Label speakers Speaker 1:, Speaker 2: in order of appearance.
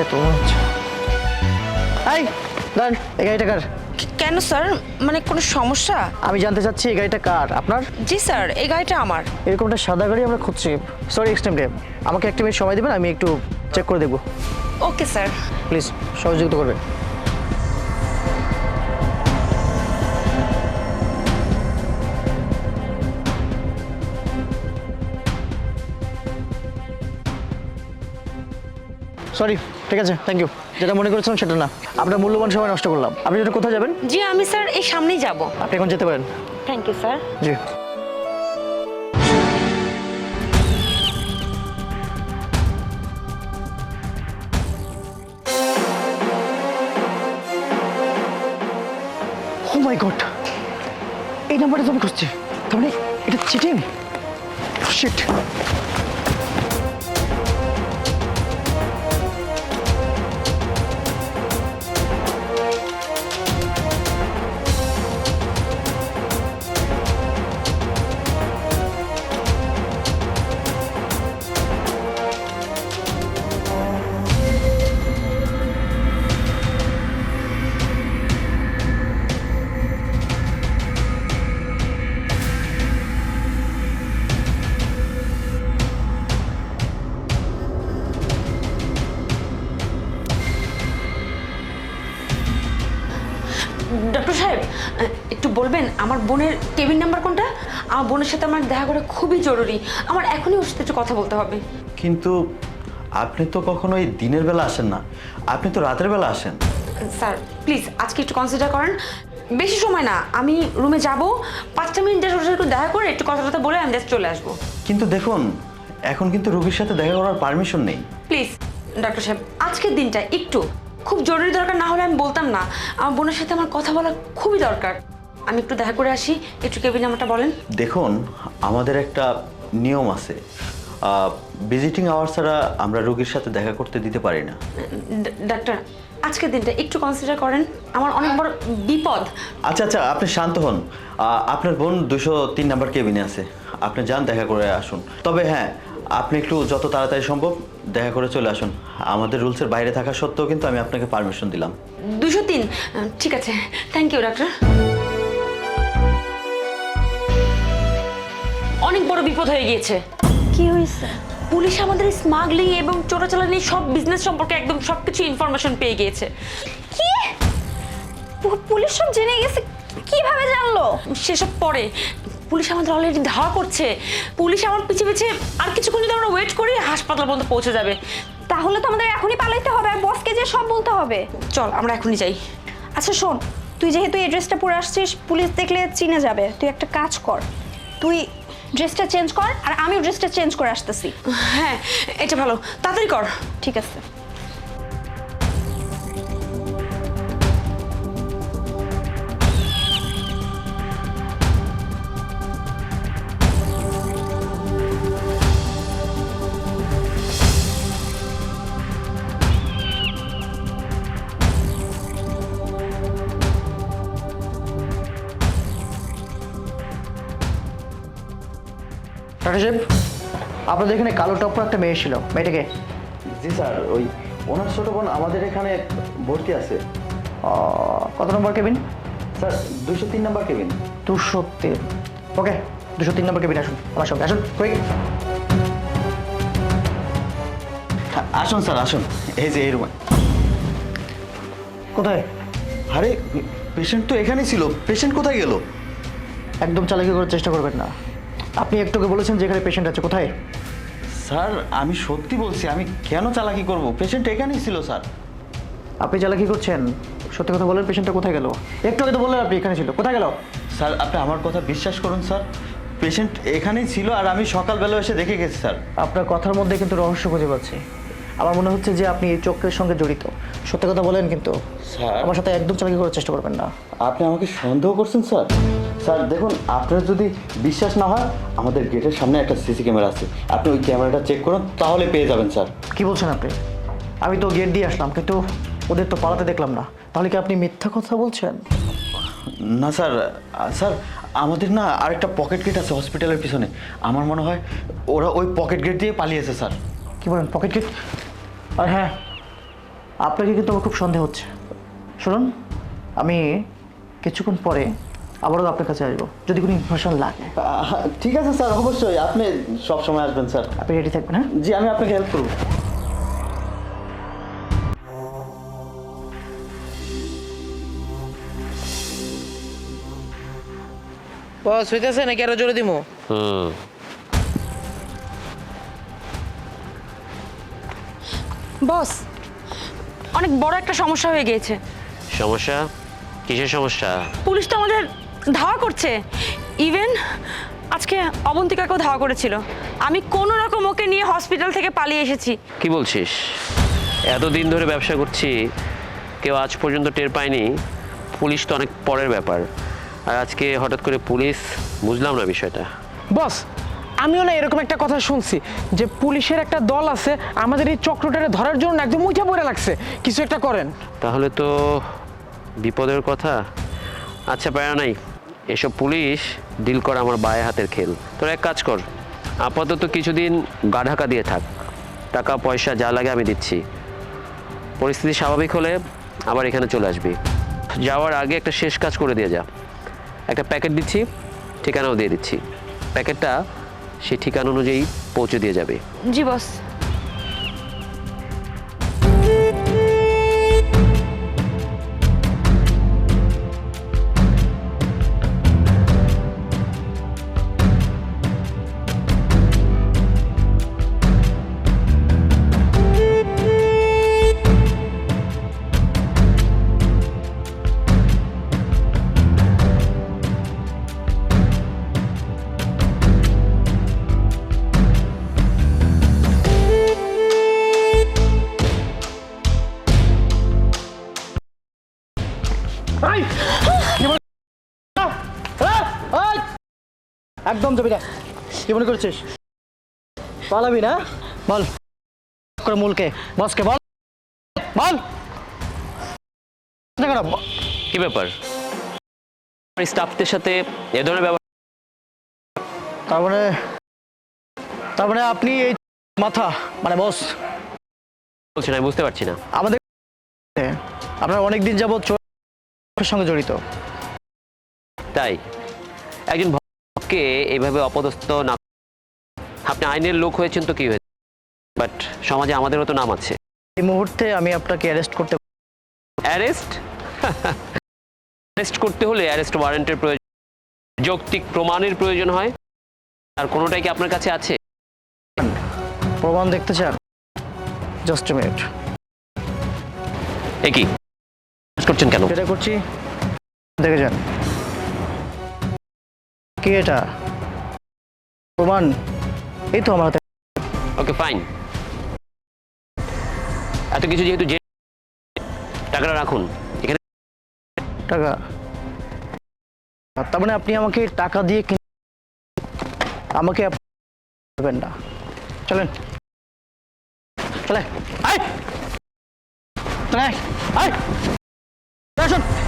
Speaker 1: তো মনে হচ্ছে। এই দাঁড়ান, এই গাড়িটা কার?
Speaker 2: কেন স্যার, মানে কোনো সমস্যা?
Speaker 1: আমি জানতে চাচ্ছি এই গাড়িটা কার? আপনার?
Speaker 2: জি স্যার, এই গাড়িটা আমার।
Speaker 1: এরকম একটা সাদা গাড়ি আমরা খুঁজছি। সরি এক্সট্রিমলি, আমাকে একটা মিনিট সময় দেবেন, আমি একটু চেক করে দেখবো।
Speaker 2: Okay sir.
Speaker 1: প্লিজ সহযোগিতা করবেন। সরি, ঠিক আছে, থ্যাংক ইউ। যেটা মনে করেছিলাম সেটা না, আপনার মূল্যবান সময় নষ্ট করলাম। আপনি যেটা কোথায় যাবেন?
Speaker 2: জি আমি স্যার এই সামনেই যাব।
Speaker 1: আপনি এখন যেতে পারেন।
Speaker 2: Thank you sir.
Speaker 1: জি। ও মাই গড, এই নাম্বারটা তো আমি খুঁজছি। তার মানে এটা চিটিং। শিট।
Speaker 2: ডক্টর সাহেব, একটু বলবেন আমার বোনের কেবিন নাম্বার কোনটা? আমার বোনের সাথে আমার দেখা করা খুবই জরুরি। আমার এখনই ওর সাথে একটু কথা বলতে হবে।
Speaker 3: কিন্তু আপনি তো কখনোই দিনের বেলা আসেন না, আপনি তো রাতের বেলা আসেন।
Speaker 2: স্যার প্লিজ আজকে একটু কনসিডার করেন। বেশি সময় না, আমি রুমে যাব, 5টা মিনিট ওর সাথে একটু দেখা করে একটু কথা বলে আমি জাস্ট চলে আসবো।
Speaker 3: কিন্তু দেখুন, এখন কিন্তু রোগীর সাথে দেখা করার পারমিশন নেই।
Speaker 2: প্লিজ ডক্টর সাহেব, আজকের দিনটা একটু খুব জরুরি দরকার না হলে আমি বলতাম না। আমার বোনের সাথে আমার কথা বলা খুবই দরকার। আমি একটু দেখা করে আসি, একটু কেবিন নাম্বারটা বলেন।
Speaker 3: দেখুন, আমাদের একটা নিয়ম আছে, ভিজিটিং আওয়ার ছাড়া আমরা রোগীর সাথে দেখা করতে দিতে পারি না।
Speaker 2: ডাক্তার আজকের দিনটা একটু কনসিডার করেন, আমার অনেক বড় বিপদ।
Speaker 3: আচ্ছা আচ্ছা, আপনি শান্ত হন। আপনার বোন 203 নাম্বার কেবিনে আছে, আপনি যান, দেখা করে আসুন। তবে হ্যাঁ, আপনি একটু যত তাড়াতাড়ি সম্ভব দেখা করে চলে আসুন। আমাদের রুলসের বাইরে থাকা সত্ত্বেও কিন্তু আমি আপনাকে পারমিশন দিলাম।
Speaker 2: 203, ঠিক আছে, থ্যাংক ইউ ডাক্তার। অনেক বড় বিপদ হয়ে গিয়েছে।
Speaker 4: কি হয়েছে?
Speaker 2: পুলিশ আমাদের স্মাগলিং এবং চোরাচালানি সব বিজনেস সম্পর্কে একদম সবকিছু ইনফরমেশন পেয়ে গিয়েছে।
Speaker 4: কি? পুলিশ সব জেনে গেছে? কিভাবে জানলো?
Speaker 2: সেসব পরে পুলিশ আমাদের অলরেডি ধাওয়া করছে। পুলিশ আমার পিছে পিছে আর কিছুক্ষণ যদি আমরা ওয়েট করি হাসপাতাল পর্যন্ত পৌঁছে যাবে।
Speaker 4: তাহলে তো আমাদের এখনই পালাইতে হবে আর বসকে যে সব বলতে হবে।
Speaker 2: চল আমরা এখনই যাই।
Speaker 4: আচ্ছা শোন, তুই যেহেতু এই ড্রেসটা পরে আসছিস, পুলিশ দেখলে চিনে যাবে। তুই একটা কাজ কর, তুই ড্রেসটা চেঞ্জ কর আর আমিও ড্রেসটা চেঞ্জ করে আসতেছি।
Speaker 2: হ্যাঁ এটা ভালো, তাড়াতাড়ি কর।
Speaker 4: ঠিক আছে।
Speaker 1: ডাক্তার সাহেব, আপনাদের এখানে কালো টপ পরা একটা মেয়ে ছিল, মেয়েটাকে?
Speaker 3: জি স্যার, ওই ওনার ছোট বোন আমাদের এখানে ভর্তি আছে।
Speaker 1: কত নম্বর কেবিন?
Speaker 3: স্যার 203 নাম্বার কেবিন।
Speaker 1: 203। ওকে, 203 নম্বর কেবিন আসুন, আমার সঙ্গে আসুন, কুইক।
Speaker 3: আসুন স্যার, আসুন, এই যে এই রুমে।
Speaker 1: কোথায়?
Speaker 3: আরে পেশেন্ট তো এখানেই ছিল, পেশেন্ট কোথায় গেল?
Speaker 1: একদম চালাকি করার চেষ্টা করবেন না। আপনি একটুকে বলেছেন যে এখানে পেশেন্ট আছে, কোথায়?
Speaker 3: স্যার আমি সত্যি বলছি, আমি কেন চালাকি করব? পেশেন্ট এখানেই ছিল স্যার।
Speaker 1: আপনি চালাকি করছেন? সত্যি কথা বলেন, পেশেন্টটা কোথায় গেল? একটু আগে তো বললেন আপনি এখানে ছিল, কোথায় গেল?
Speaker 3: স্যার আপনি আমার কথা বিশ্বাস করুন স্যার, পেশেন্ট এখানেই ছিল আর আমি সকালবেলা এসে দেখে গেছি স্যার।
Speaker 1: আপনার কথার মধ্যে কিন্তু রহস্য খুঁজে পাচ্ছি। আমার মনে হচ্ছে যে আপনি এই চক্রের সঙ্গে জড়িত। সত্যি কথা বলেন কিন্তু।
Speaker 3: স্যার
Speaker 1: আমার সাথে একদম চালাকি করার চেষ্টা করবেন না।
Speaker 3: আপনি আমাকে সন্দেহ করছেন স্যার? স্যার দেখুন, আপনার যদি বিশ্বাস না হয়, আমাদের গেটের সামনে একটা সিসি ক্যামেরা আছে, আপনি ওই ক্যামেরাটা চেক করুন, তাহলে পেয়ে যাবেন স্যার।
Speaker 1: কি বলছেন আপনি? আমি তো গেট দিয়ে আসলাম, কিন্তু ওদের তো পালাতে দেখলাম না। তাহলে কি আপনি মিথ্যা কথা বলছেন?
Speaker 3: না স্যার, স্যার আমাদের না আরেকটা পকেট গেট আছে হসপিটালের পিছনে, আমার মনে হয় ওরা ওই পকেট গেট দিয়ে পালিয়েছে স্যার।
Speaker 1: কি বলেন, পকেট গেট? আর হ্যাঁ, আপনাকে কিন্তু আমার খুব সন্দেহ হচ্ছে। শুনুন, আমি কিছুক্ষণ পরে আবারও আপনার কাছে আসবো যদি কোনো ইনফরমেশন লাগে।
Speaker 3: ঠিক আছে স্যার, অবশ্যই আপনি সব সময় আসবেন স্যার।
Speaker 1: আপনি রেডি থাকবেন, হ্যাঁ?
Speaker 3: জি, আমি আপনাকে হেল্প করব।
Speaker 5: বস হইতেছে নাকি আরো জোরে দিমু?
Speaker 2: বস, অনেক বড় একটা সমস্যা হয়ে গিয়েছে।
Speaker 6: সমস্যা? কিসের সমস্যা?
Speaker 2: পুলিশ তো আমাদের ধাওয়া করছে। ইভেন আজকে অবন্তিকাকেও ধাওয়া করেছিল। আমি কোনো রকম ওকে নিয়ে হসপিটাল থেকে পালিয়ে এসেছি।
Speaker 6: কি বলছিস? এতদিন ধরে ব্যবসা করছি, কেউ আজ পর্যন্ত টের পায়নি। পুলিশ তো অনেক পরের ব্যাপার, আর আজকে হঠাৎ করে পুলিশ, বুঝলাম না বিষয়টা।
Speaker 5: বস আমিও না এরকম একটা কথা শুনছি যে পুলিশের একটা দল আছে আমাদের এই চক্রটারে ধরার জন্য একদম উঠে পড়ে লাগছে, কিছু একটা করেন।
Speaker 6: তাহলে তো বিপদের কথা। আচ্ছা, প্যারা নাই, এসব পুলিশ ডিল করা আমার বায়ে হাতের খেল। তোর এক কাজ কর, আপাতত কিছুদিন গা ঢাকা দিয়ে থাক, টাকা পয়সা যা লাগে আমি দিচ্ছি। পরিস্থিতি স্বাভাবিক হলে আবার এখানে চলে আসবি। যাওয়ার আগে একটা শেষ কাজ করে দিয়ে যা। একটা প্যাকেট দিচ্ছি, ঠিকানাও দিয়ে দিচ্ছি। প্যাকেটটা সেই ঠিকানা অনুযায়ী পৌঁছে দিয়ে যাবে।
Speaker 2: জি বস।
Speaker 1: একদম যাবি না। কি মনে করছিস পালাবি না? বল করে মূলকে, বসকে বল, বল।
Speaker 6: কি ব্যাপার? স্টাফদের সাথে এ ধরনের ব্যবহার?
Speaker 1: তার মানে আপনি এই মাথা মানে বস
Speaker 6: বলছেন, আমি বুঝতে পারছি না।
Speaker 1: আমাদের আপনার অনেক দিন যাবৎ চোরের সঙ্গে জড়িত।
Speaker 6: তাই একজন ভক্তকে এইভাবে অপদস্থ না, আপনি আইনের লোক হয়েছেন তো কি হয়েছে, বাট সমাজে আমাদেরও তো নাম আছে।
Speaker 1: এই মুহূর্তে আমি আপনাকে অ্যারেস্ট করতে।
Speaker 6: অ্যারেস্ট? অ্যারেস্ট করতে হলে অ্যারেস্ট ওয়ারেন্টের প্রয়োজন, যৌক্তিক প্রমাণের প্রয়োজন হয়। আর কোনোটাই কি আপনার কাছে আছে?
Speaker 1: প্রমাণ দেখতে চান? Just a minute.
Speaker 6: এ কি করছেন কেন?
Speaker 1: যেটা করছি দেখে যান। কি এটা প্রমাণ? এই তো আমার হাতে।
Speaker 6: ওকে ফাইন, এত কিছু যেহেতু টাকাটা রাখুন এখানে।
Speaker 1: টাকা? তার মানে আপনি আমাকে টাকা দিয়ে আমাকে দেবেন না? চলেন, চলে আয়, চলে আয়, আসুন।